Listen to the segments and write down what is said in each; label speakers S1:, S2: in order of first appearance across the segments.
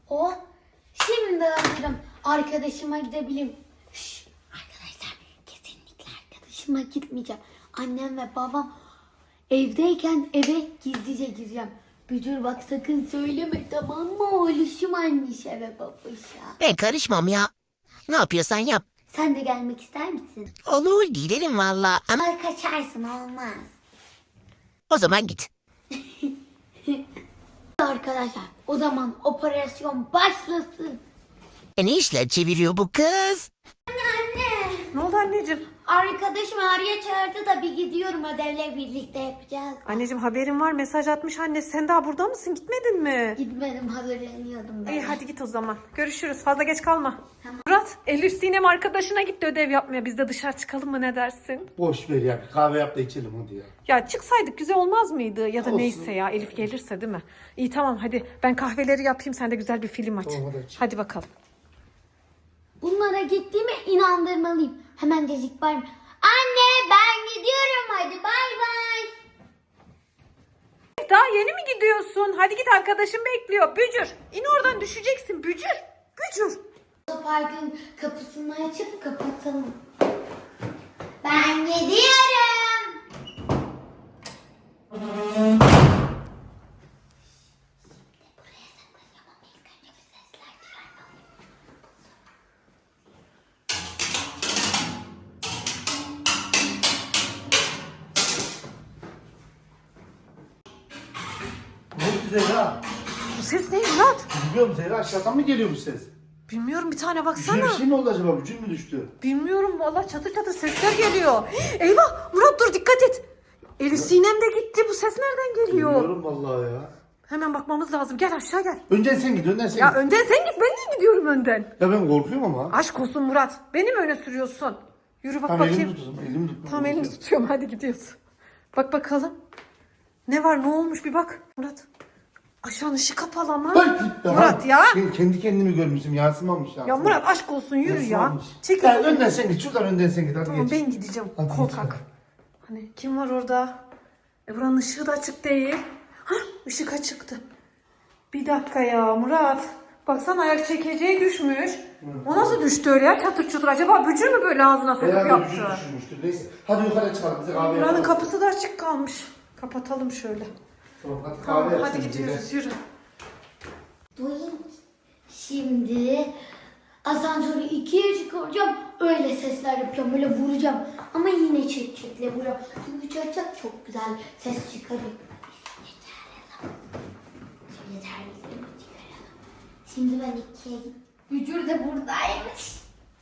S1: Oh, şimdi hazırım. Arkadaşıma gidebilirim. Şşş, arkadaşlar kesinlikle arkadaşıma gitmeyeceğim. Annem ve babam evdeyken eve gizlice gireceğim. Bücür bak sakın söyleme, tamam mı? Oğluşum anneş eve babuşa.
S2: Ben karışmam ya. Ne yapıyorsan yap.
S1: Sen de gelmek ister misin?
S2: Olur, gidelim valla. Ama
S1: Ay kaçarsın, olmaz.
S2: o zaman git.
S1: Arkadaşlar o zaman operasyon başlasın.
S2: Ne işler çeviriyor bu kız?
S1: Anne.
S3: Ne oldu anneciğim?
S1: Arkadaşım Arya çağırdı da bir gidiyorum, ödevle birlikte yapacağız.
S3: Anneciğim haberin var, mesaj atmış anne. Sen daha burada mısın? Gitmedin mi?
S1: Gitmedim, hazırlanıyordum ben.
S3: İyi hadi git o zaman. Görüşürüz. Fazla geç kalma.
S1: Tamam.
S3: Murat, Elif Sinem arkadaşına gitti ödev yapmaya. Biz de dışarı çıkalım mı, ne dersin?
S4: Boş ver ya. Bir kahve yap da içelim hadi ya.
S3: Ya çıksaydık güzel olmaz mıydı? Ya da
S4: Olsun.
S3: neyse ya, Elif gelirse değil mi? İyi tamam hadi. Ben kahveleri yapayım, sen de güzel bir film aç.
S4: Tamam, hadi aç.
S3: Hadi bakalım.
S1: Bunlara gittiğime inandırmalıyım. Hemen dedik var mı? Anne ben gidiyorum, hadi bay bay.
S3: Daha yeni mi gidiyorsun? Hadi git, arkadaşın bekliyor. Bücür, in oradan, düşeceksin. Bücür, Bücür.
S1: Otoparkın kapısını açıp kapatalım. Ben gidiyorum. Buraya saklanacağım ama ilk önce bir sesler çıkarmalıyım.
S4: Ne Zehra?
S3: Bu ses ne Murat?
S4: Bilmiyorum Zehra, aşağıdan mı geliyor bu ses?
S3: Bilmiyorum, bir tane
S4: Bir
S3: baksana.
S4: şey mi oldu acaba? Vücut mu düştü?
S3: Bilmiyorum vallahi, çatır çatır sesler geliyor. Eyvah Murat, dur dikkat et. Elif Sinem de gitti. Bu ses nereden geliyor?
S4: Bilmiyorum vallahi ya.
S3: Hemen bakmamız lazım. Gel aşağı gel.
S4: Önden sen git, önden sen
S3: Ya
S4: git.
S3: önden sen git, ben niye gidiyorum önden?
S4: Ya ben korkuyorum ama.
S3: Aşk olsun Murat. Beni mi öne sürüyorsun? Yürü bak
S4: Tamam, elimi
S3: bakayım.
S4: tut o zaman, elimi tut.
S3: Tamam elini tutuyorum, hadi gidiyoruz. Bak bakalım. Ne var, ne olmuş bir bak Murat. Aşağının ışığı kapalı ama. Murat ya.
S4: Ben kendi kendimi görmüşüm, yansımamış
S3: Ya Murat aşk olsun, yürü ya.
S4: Yansımamış.
S3: Çekil.
S4: Ya önden sen git, şuradan önden sen git, hadi
S3: Tamam
S4: geç.
S3: ben gideceğim.
S4: Hadi
S3: Korkak.
S4: geç.
S3: Hani kim var orada? Buranın ışığı da açık değil. Hah, ışık açıktı. Bir dakika ya Murat. Baksana, ayak çekeceği düşmüş. O nasıl düştü öyle ya, çatır çutur? Acaba bücür mü böyle ağzına sokup
S4: Herhalde
S3: yaptı?
S4: vücut düşürmüştür. Neyse. Hadi yukarı çıkalım, bize kahve
S3: Buranın
S4: yapalım.
S3: kapısı da açık kalmış. Kapatalım şöyle.
S4: Tamam, hadi
S3: Tamam
S4: kahve
S3: hadi
S4: yapalım,
S3: gidiyoruz, yürü.
S1: Duyun. Şimdi asansörü ikiye çıkaracağım. Öyle sesler yapacağım. Böyle vuracağım. Ama yine çekle vuracağım. Çünkü çarçak çok güzel ses çıkarıyor. Şimdi ben ikiye gittim. Bücür de buradaymış.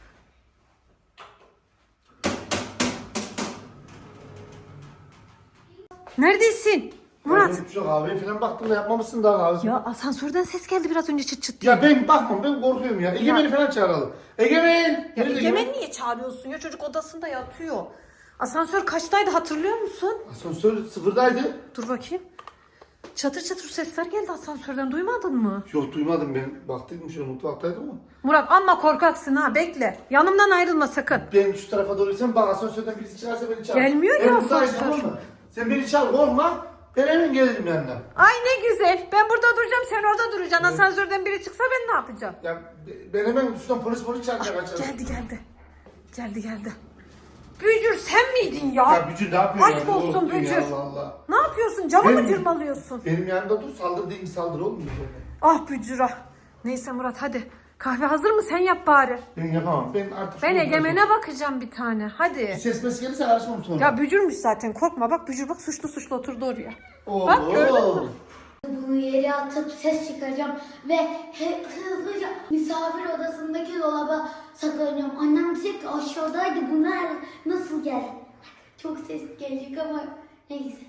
S3: Neredesin?
S4: Murat.
S3: Murat.
S4: Ben şu kahveye falan baktım da yapmamışsın daha kahve.
S3: Ya asansörden ses geldi biraz önce, çıt çıt diye.
S4: Ya ben bakmam, ben korkuyorum ya. Egemen'i falan çağıralım. Egemen!
S3: Ya
S4: Nerede
S3: Egemen niye çağırıyorsun ya? Çocuk odasında yatıyor. Asansör kaçtaydı, hatırlıyor musun?
S4: Asansör sıfırdaydı.
S3: Dur bakayım. Çatır çatır sesler geldi asansörden, duymadın mı?
S4: Yok duymadım ben. Baktıydım şöyle, mutfaktaydım ama.
S3: Murat amma korkaksın ha, bekle. Yanımdan ayrılma sakın.
S4: Ben şu tarafa doğru gitsem bak, asansörden birisi çıkarsa beni çağır.
S3: Gelmiyor
S4: Ben
S3: ya
S4: buradayım,
S3: asansör.
S4: tamam mı? Sen beni çağır, korkma. Ben hemen gelirim yanına.
S3: Ay ne güzel. Ben burada duracağım, sen orada duracaksın. Asansörden biri çıksa ben ne yapacağım?
S4: Ya ben hemen şuradan polis çağırmaya kaçarım.
S3: Geldi. Bücür sen miydin ya?
S4: Ya Bücür ne yapıyorsun?
S3: Aşk
S4: ya?
S3: olsun
S4: Korktun
S3: Bücür.
S4: ya, Allah Allah.
S3: Ne yapıyorsun? Camı mı
S4: Ben-
S3: cırmalıyorsun?
S4: Benim yanımda dur, saldır değil mi, saldır olmuyor böyle.
S3: Ah Bücür ah. Neyse Murat hadi. Kahve hazır mı? Sen yap bari.
S4: Ben yapamam. Ben artık...
S3: Ben Egemen'e bakacağım bir tane. Hadi.
S4: Ses mes gelirse karışmam sonra.
S3: Ya Bücürmüş zaten, korkma. Bak Bücür, bak suçlu oturdu oraya.
S4: Oo.
S3: Bak, gördün mü?
S1: Bunu yere atıp ses çıkaracağım ve hızlıca misafir odasındaki dolaba saklanacağım. Annem diyecek ki aşağıdaydı, bunlar nasıl geldi? Çok ses gelecek ama neyse.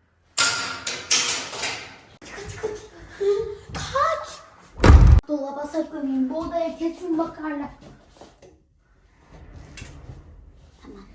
S1: Kaç. Kaç. Dolaba saklanayım, bu odaya kesin bakarlar. Tamam.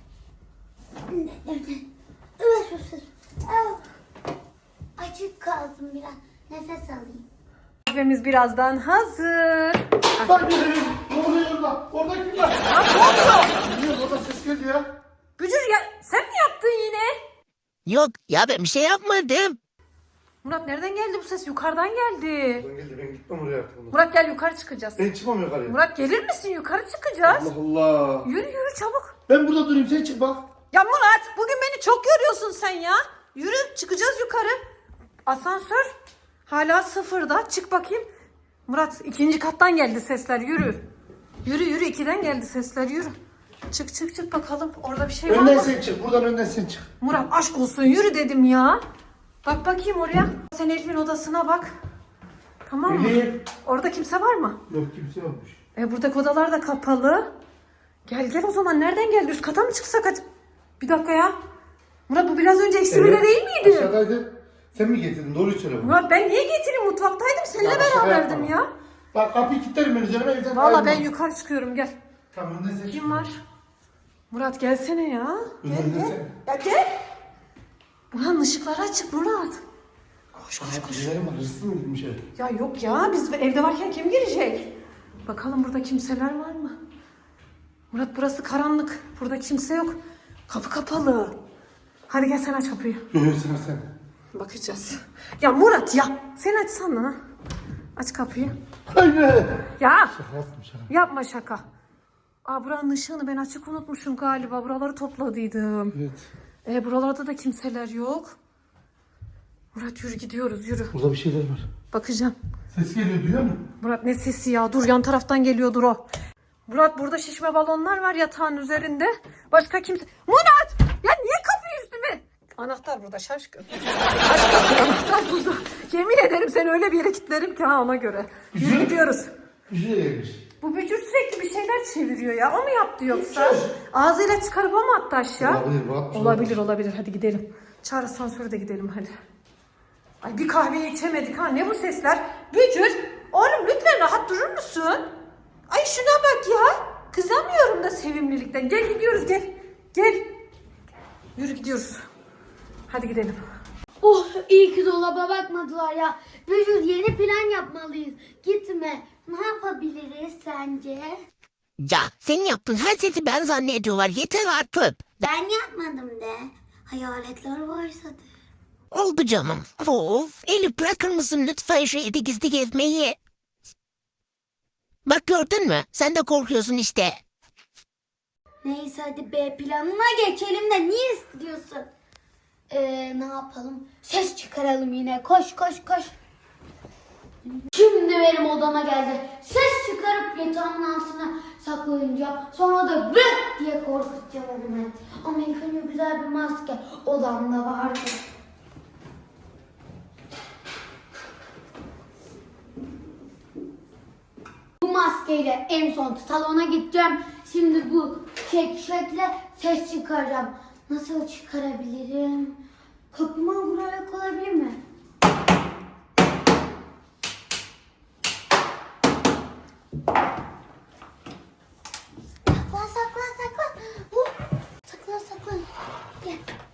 S1: Açık kaldım biraz. Nefes alayım.
S3: Kahvemiz birazdan hazır.
S4: Bak ne oluyor orada? Orada kim var?
S3: Ya ne oluyor?
S4: Bilmiyorum, orada ses geldi ya.
S3: Bücür ya, sen mi yaptın yine?
S2: Yok ya, ben bir şey yapmadım.
S3: Murat nereden geldi bu ses? Yukarıdan geldi.
S4: Ben geldi, ben gitmem oraya artık.
S3: Murat gel yukarı çıkacağız.
S4: Ben çıkmam yukarıya.
S3: Murat gelir misin? Yukarı çıkacağız.
S4: Allah Allah.
S3: Yürü çabuk.
S4: Ben burada durayım, sen çık bak.
S3: Ya Murat bugün beni çok yoruyorsun sen ya. Yürü çıkacağız yukarı. Asansör hala sıfırda. Çık bakayım. Murat ikinci kattan geldi sesler, yürü. Yürü 2'den geldi sesler, yürü. Çık bakalım orada bir şey var
S4: Önden
S3: mı?
S4: sen çık, buradan önden sen çık.
S3: Murat aşk olsun yürü dedim ya. Bak bakayım oraya. Sen Elif'in odasına bak. Tamam mı?
S4: Elif.
S3: Orada kimse var mı?
S4: Yok, kimse yokmuş.
S3: Buradaki odalar da kapalı. Gel o zaman nereden geldi? Üst kata mı çıksak hadi? Bir dakika ya. Murat bu biraz önce eksi birde değil miydi?
S4: Aşağıdaydı. Sen mi getirdin? Doğruyu söyle bana.
S3: Murat ben niye getireyim? Mutfaktaydım seninle
S4: Ya, şaka
S3: beraberdim
S4: yapma.
S3: ya.
S4: Bak kapıyı kilitlerim ben üzerime, evden
S3: Valla ben
S4: ayrılmam.
S3: yukarı çıkıyorum gel.
S4: Tamam, önden sen çık.
S3: Kim var? Murat gelsene ya.
S4: Önden sen.
S3: Ya gel. Buranın ışıkları açık Murat. Koş.
S4: Birileri var, hırsız mı girmiş eve?
S3: Ya yok ya biz evde varken kim girecek? Bakalım burada kimseler var mı? Murat burası karanlık. Burada kimse yok. Kapı kapalı. Hadi gel sen aç kapıyı.
S4: Yok sen.
S3: Bakacağız. Ya Murat ya. Sen açsana. Aç kapıyı.
S4: Hayır.
S3: Ya
S4: Şaka yaptım şaka.
S3: yapma şaka. Buranın ışığını ben açık unutmuşum galiba. Buraları topladıydım.
S4: Evet.
S3: Buralarda da kimseler yok. Murat yürü gidiyoruz yürü.
S4: Burada bir şeyler var.
S3: Bakacağım.
S4: Ses geliyor, duyuyor musun?
S3: Murat ne sesi ya? Dur yan taraftan geliyordur o. Murat burada şişme balonlar var yatağın üzerinde. Başka kimse... Murat! Ya niye kapıyı üstüme? Anahtar burada şaşkın. Anahtar burada. Yemin ederim seni öyle bir yere kilitlerim ki ona göre. Yürü gidiyoruz.
S4: Bir şey gelmiş.
S3: Bu bücür sürekli bir şeyler çeviriyor ya. O mu yaptı yoksa? Ağzıyla çıkarıp o mu attı aşağı? Olabilir. Hadi gidelim. Çağır asansöre de gidelim hadi. Ay bir kahveyi içemedik ha. Ne bu sesler? Bücür. Oğlum lütfen rahat durur musun? Ay şuna bak ya. Kızamıyorum da sevimlilikten. Gel gidiyoruz gel. Gel. Yürü gidiyoruz. Hadi gidelim.
S1: Oh iyi ki dolaba bakmadılar ya. Bücür yeni plan yapmalıyız. Gitme. Ne yapabiliriz sence?
S2: Ya senin yaptığın her sesi ben zannediyorlar. Yeter artık.
S1: Ben yapmadım de. Hayaletler varsa de.
S2: Oldu canım. Of. Elif bırakır mısın lütfen şu evde gizli gezmeyi? Bak gördün mü? Sen de korkuyorsun işte.
S1: Neyse hadi B planına geçelim de niye istiyorsun? Ne yapalım? Ses çıkaralım yine. Koş. Şimdi benim odama geldi. Ses çıkarıp yatağımın altına saklayınca sonra da bırak diye korkutacağım onu. Ama ilk önce güzel bir maske odamda vardı. Bu maskeyle en son salona gideceğim. Şimdi bu şekle ses çıkaracağım. Nasıl çıkarabilirim? Kapıma vurarak olabilir mi? Saklan. Saklan. Gel.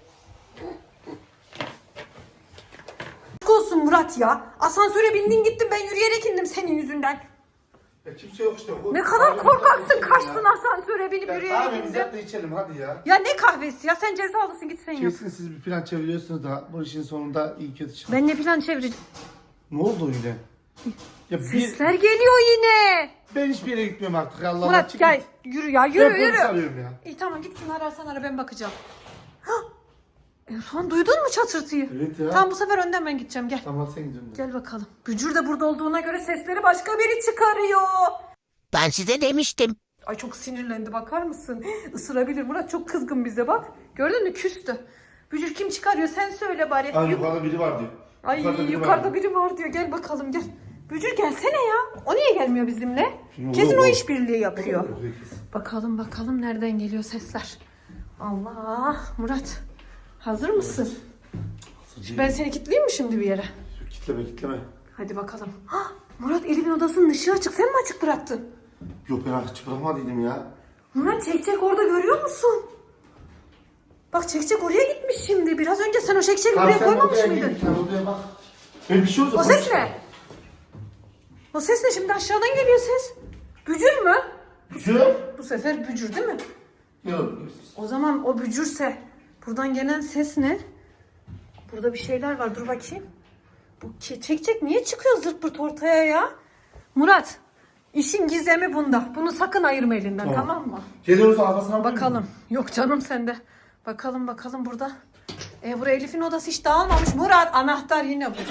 S3: Aşk olsun Murat ya. Asansöre bindin gittin ben yürüyerek indim senin yüzünden.
S4: Ya kimse yok işte.
S3: Ne kadar korkaksın kaçtın asansöre binip
S4: Ya
S3: yürüyerek
S4: kahvemizi
S3: indin.
S4: yap da içelim hadi ya.
S3: Ya ne kahvesi ya sen cezalısın git sen yap.
S4: Kesin siz bir plan çeviriyorsunuz da bu işin sonunda iyi kötü çıkar.
S3: Ben ne plan çevireceğim?
S4: Ne oldu yine? Ya
S3: Sesler geliyor yine.
S4: ben hiçbir yere gitmiyorum artık. Allah
S3: Murat
S4: çık
S3: gel
S4: git.
S3: yürü ya
S4: Ben
S3: yürü.
S4: polis arıyorum ya.
S3: İyi tamam git kim ararsan ara ben bakacağım. Hah! En son duydun mu çatırtıyı?
S4: Evet ya.
S3: Tamam bu sefer önden ben gideceğim gel.
S4: Tamam sen gidiyorsun.
S3: Gel bakalım. Bücür de burada olduğuna göre sesleri başka biri çıkarıyor.
S2: Ben size demiştim.
S3: Ay çok sinirlendi bakar mısın? Isırabilir Murat çok kızgın bize bak. Gördün mü küstü. Bücür kim çıkarıyor sen söyle bari.
S4: Ay yukarıda biri var diyor.
S3: Ay
S4: biri
S3: yukarıda
S4: var.
S3: biri var diyor. Gel bakalım gel. Bücür gelsene ya. O niye gelmiyor bizimle?
S4: Şimdi
S3: Kesin
S4: o-
S3: o işbirliği yapıyor.
S4: Yok, kesin.
S3: Bakalım nereden geliyor sesler. Allah Murat. Hazır mısın? Ben seni kilitleyeyim mi şimdi bir yere?
S4: Kitleme.
S3: Hadi bakalım. Hah, Murat Elif'in odasının ışığı açık. Sen mi açık bıraktın?
S4: Yok ben açık bırakmadıydım ya.
S3: Murat çekçek orada görüyor musun? Bak çekçek oraya gitmiş şimdi. Biraz önce sen o çekçeği buraya koymamış
S4: odaya
S3: mıydın?
S4: gir, sen odaya bak. Ben bir şey oldu.
S3: O ses ne? O ses ne? Şimdi aşağıdan geliyor ses. Bücür mü?
S4: Bücür?
S3: Bu sefer bücür değil mi?
S4: Yok.
S3: O zaman o bücürse buradan gelen ses ne? Burada bir şeyler var. Dur bakayım. Bu çek niye çıkıyor zırt pırt ortaya ya? Murat, işin gizemi bunda. Bunu sakın ayırma elinden, tamam mı?
S4: Geliyoruz arkasına
S3: Bakalım. Yok canım sende. Bakalım burada. Buraya Elif'in odası hiç dağılmamış. Murat, anahtar yine burada.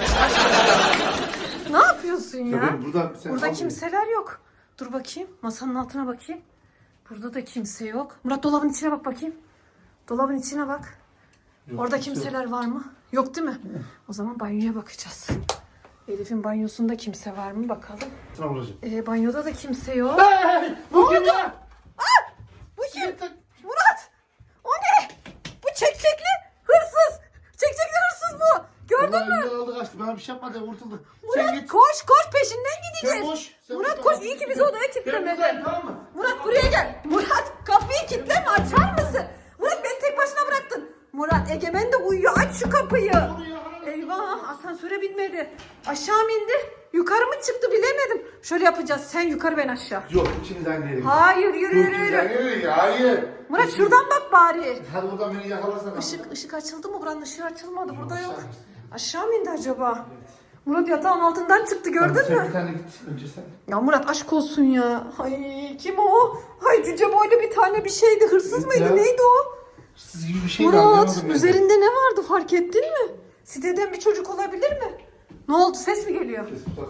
S3: Ne yapıyorsun ya? Burada kimseler yok. Dur bakayım. Masanın altına bakayım. Burada da kimse yok. Murat, dolabın içine bak bakayım. Dolabın içine bak. Orada kimseler var mı? Yok değil mi? O zaman banyoya bakacağız. Elif'in banyosunda kimse var mı bakalım. Banyoda da kimse yok.
S4: Bu kim ya?
S3: Bu kim? Murat! O ne? Bu çekçekli hırsız. Çekçekli hırsız bu. Gördün mü?
S4: Ulan aldı kaçtı. Bana bir şey yapmadı. Kurtuldu.
S3: Murat
S4: Sen git.
S3: koş peşinden gideceğiz.
S4: Sen koş. Sen
S3: Murat
S4: burada
S3: koş,
S4: kal.
S3: iyi ki bizi odaya
S4: Ben
S3: kilitlemedi.
S4: buradayım, tamam mı?
S3: Murat buraya gel. Murat kapıyı kilitleme, açar mısın? Murat beni tek başına bıraktın. Murat, Egemen de uyuyor, aç şu kapıyı. Eyvah, asansöre binmedi. Aşağı mı indi? Yukarı mı çıktı bilemedim. Şöyle yapacağız, sen yukarı ben aşağı.
S4: Yok ikiniz aynı yere.
S3: Hayır, yürü.
S4: Hayır.
S3: Murat şuradan bak bari.
S4: Hadi buradan beni yakalasana.
S3: Işık açıldı mı? Buranın ışığı açılmadı. Burada yok.
S4: aşağı.
S3: Aşağı mı indi acaba? Murat yatağın altından çıktı, gördün
S4: Sen
S3: mü?
S4: bir tane git. Önce sen.
S3: Ya Murat aşk olsun ya. Ay kim o? Ay cüce boylu bir tane bir şeydi. Hırsız mıydı?
S4: Ya.
S3: Neydi o?
S4: Siz gibi bir şey
S3: Murat üzerinde ne vardı fark ettin mi? Siteden bir çocuk olabilir mi? Ne oldu? Ses mi geliyor?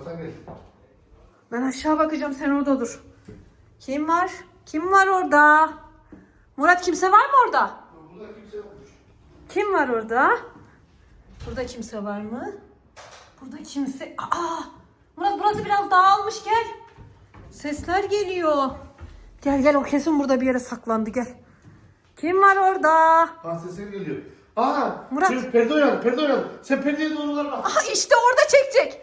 S3: Ben aşağı bakacağım, sen orada dur. Kim var? Kim var orada? Murat kimse var mı orada?
S4: Burada kimse yokmuş.
S3: Kim var orada? Burada kimse var mı? Burada kimse... Aa! Murat burası biraz dağılmış, gel. Sesler geliyor. Gel o kesin burada bir yere saklandı, gel. Kim var orada?
S4: Ha sesler geliyor. Aa
S3: Murat.
S4: Şu perde oynadı. Sen perdeye doğru var bak.
S3: Aha işte orada çekecek.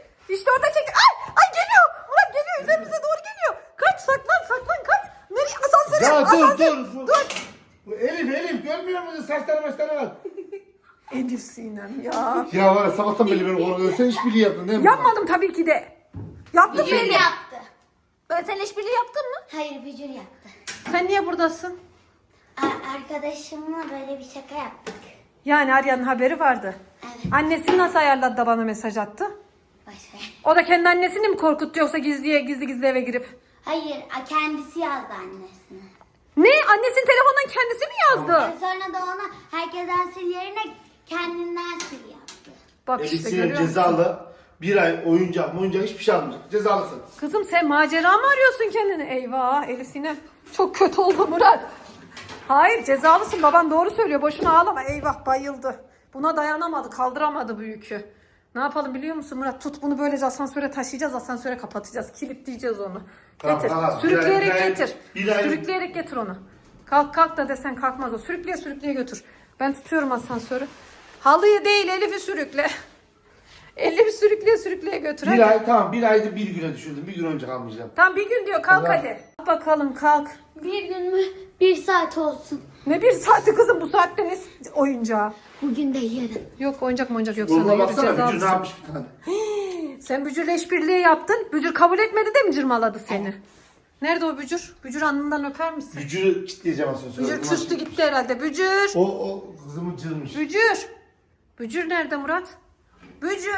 S3: Ay geliyor. Murat geliyor, üzerimize doğru geliyor. Kaç, saklan kaç. Nereye? Asansöre.
S4: Ya
S3: Asansöre.
S4: dur. Bu Elif görmüyor musun? Saçları var.
S3: Elif Sinem ya.
S4: Ya var ya sabahtan beri beni korkuyor. Sen işbirliği yaptın değil mi?
S3: Yapmadım tabii ki de. Yaptım
S1: Bücür
S3: beni.
S1: yaptı.
S3: Ben sen işbirliği yaptın mı?
S1: Hayır Bücür yaptı.
S3: Sen niye buradasın?
S1: Arkadaşımla böyle bir şaka yaptık.
S3: Yani Arya'nın haberi vardı.
S1: Evet.
S3: Annesini nasıl ayarladı da bana mesaj attı?
S1: Başka.
S3: O da kendi annesini mi korkuttu yoksa gizli eve girip?
S1: Hayır kendisi yazdı annesine.
S3: Ne? Annesinin telefonundan kendisi mi yazdı?
S1: Sonra da ona herkesten sil yerine kendinden sil yaptı.
S3: Bak
S4: Elif
S3: işte
S4: Sinem
S3: görüyor musun?
S4: cezalı. Bir ay oyuncak hiçbir şey almayacak. Cezalısın.
S3: Kızım sen macera mı arıyorsun kendini? Eyvah Elif Sinem. Çok kötü oldu Murat. Hayır cezalısın, baban doğru söylüyor, boşuna ağlama. Eyvah bayıldı. Buna dayanamadı, kaldıramadı bu yükü. Ne yapalım biliyor musun Murat? Tut bunu böylece asansöre taşıyacağız, asansöre kapatacağız. Kilitleyeceğiz onu.
S4: Tamam,
S3: Getir.
S4: tamam.
S3: Sürükleyerek
S4: Bir ay-
S3: getir.
S4: bir ay-
S3: Sürükleyerek getir onu. Kalk da desen kalkmaz o. Sürükleye götür. Ben tutuyorum asansörü. Halıyı değil Elif'i sürükle. Elif'i sürükleye götür. Hadi.
S4: Bir ayda bir güne düşürdüm. Bir gün önce kalmayacağım.
S3: Tam bir gün diyor, kalk
S4: Allah.
S3: hadi. Bakalım kalk.
S1: Bir gün mü? Bir saat olsun.
S3: Ne bir saati kızım, bu saatte ne oyuncağı?
S1: Bugün de yarın.
S3: Yok oyuncak yok sana,
S4: Doğru
S3: yürü
S4: baksana. Bücür ne
S3: cezalısın.
S4: yapmış bir tane.
S3: Sen Bücür'le işbirliği yaptın. Bücür kabul etmedi de mi cırmaladı seni? Nerede o Bücür? Bücür alnından öper misin?
S4: Bücür'ü kitleyeceğim asansöre.
S3: Bücür küstü gitti herhalde. Bücür!
S4: O kızımı cırmış.
S3: Bücür! Bücür nerede Murat? Bücür!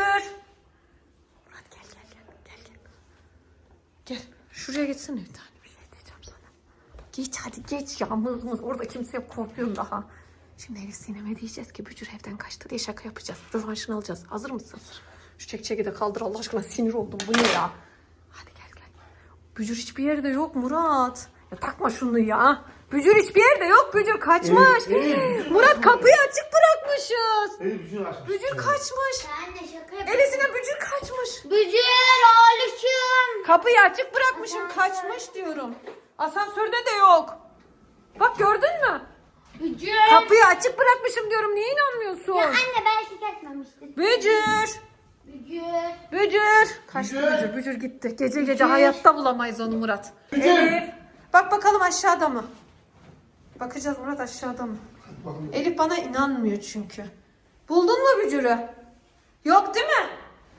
S3: Murat gel. Gel. Şuraya geçsene bir tane. Bir şey diyeceğim sana. Geç hadi geç ya. Mız orada kimse yok, korkuyorum daha. Şimdi Elif Sinem'e diyeceğiz ki Bücür evden kaçtı diye şaka yapacağız. Rövanşını alacağız. Hazır mısın? Şu çekçeki de kaldır Allah aşkına, sinir oldum. Bu ne ya? Hadi gel. Bücür hiçbir yerde yok Murat. Ya takma şunu ya. Bücür hiçbir yerde yok. Bücür kaçmış. Murat kapıyı açık bırakmışız.
S4: Bücür açmış.
S3: Bücür kaçmış.
S1: Ben de şaka yapıyorum.
S3: Elisine Bücür kaçmış.
S1: Bücür oğluşum.
S3: Kapıyı açık bırakmışım, kaçmış diyorum. Asansörde de yok. Bak gördün mü?
S1: Bücür.
S3: Kapıyı açık bırakmışım diyorum. Niye inanmıyorsun?
S1: Ya anne belki kaçmamıştır.
S3: Bücür.
S1: Bücür.
S3: Kaçtı Bücür gitti. Gece hayatta bulamayız onu Murat.
S4: Bücür.
S3: Elif. Bak bakalım aşağıda mı? Bakacağız Murat, aşağıda mı?
S4: Bakın.
S3: Elif bana inanmıyor çünkü. Buldun mu Bücür'ü? Yok değil mi?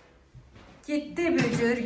S3: Gitti Bücür,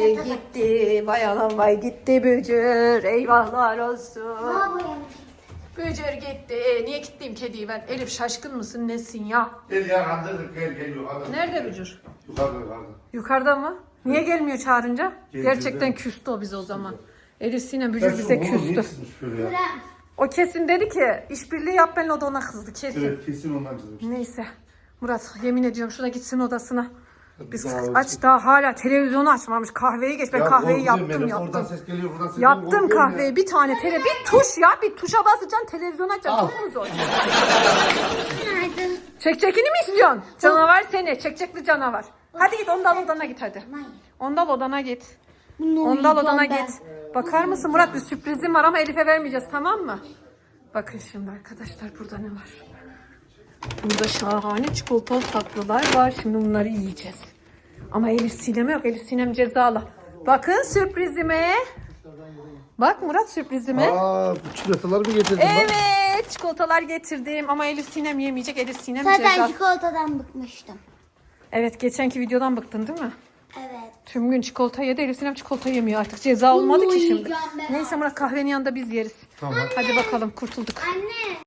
S3: gitti. Vay anam vay, gitti Bücür. Eyvahlar olsun.
S1: Daha boyamış.
S3: Bücür gitti. Niye kilitleyeyim kediyi ben? Elif şaşkın mısın nesin ya?
S4: Gel ya kandırdık gel yukarıda.
S3: Nerede Bücür?
S4: Yukarıda.
S3: Yukarıda mı? Niye gelmiyor çağırınca?
S4: Geliyor
S3: Gerçekten
S4: da.
S3: küstü o bize o zaman. Elif Sinem Bücür bize küstü.
S4: Ya?
S3: O kesin dedi ki işbirliği yap benimle, o da ona kızdı kesin.
S4: Evet kesin ondan çizmiş.
S3: Neyse. Murat yemin ediyorum şuna gitsin odasına. Biz
S4: Daha
S3: aç daha hala televizyonu açmamış. Kahveyi geç. Ben kahveyi yaptım.
S4: Oradan ses geliyor buradan ses
S3: Yaptım
S4: geliyor. Korkuyorum
S3: kahveyi.
S4: ya.
S3: Bir tane bir tuş ya. Bir tuşa basacaksın, televizyonu açacaksın.
S4: Al.
S3: Çok mu zor?
S1: Günaydın.
S3: Çekçekini mi istiyorsun? Canavar seni. Çekçekli canavar. Hadi git ondal odana git hadi. Ondal odana git. Ondal odana git. Bakar mısın Murat, bir sürprizim var ama Elif'e vermeyeceğiz, tamam mı? Bakın şimdi arkadaşlar burada ne var? Burada şahane çikolatalı tatlılar var. Şimdi bunları yiyeceğiz. Ama Elif Sinem yok. Elif Sinem cezalı. Bakın sürprizime. Bak Murat sürprizime.
S4: Aa bu çikolataları mı getirdin lan?
S3: Evet çikolatalar getirdim ama Elif Sinem yemeyecek. Elif Sinem
S1: Zaten
S3: cezalı.
S1: çikolatadan bıkmıştım.
S3: Evet geçenki videodan bıktın değil mi?
S1: Evet.
S3: Tüm gün çikolata yedi. Elif Sinem çikolata yemiyor artık. Ceza olmadı ki şimdi.
S1: yiyeceğim ben.
S3: Neyse Murat kahvenin yanında biz yeriz.
S4: Tamam.
S3: Hadi bakalım kurtulduk.
S1: Anne.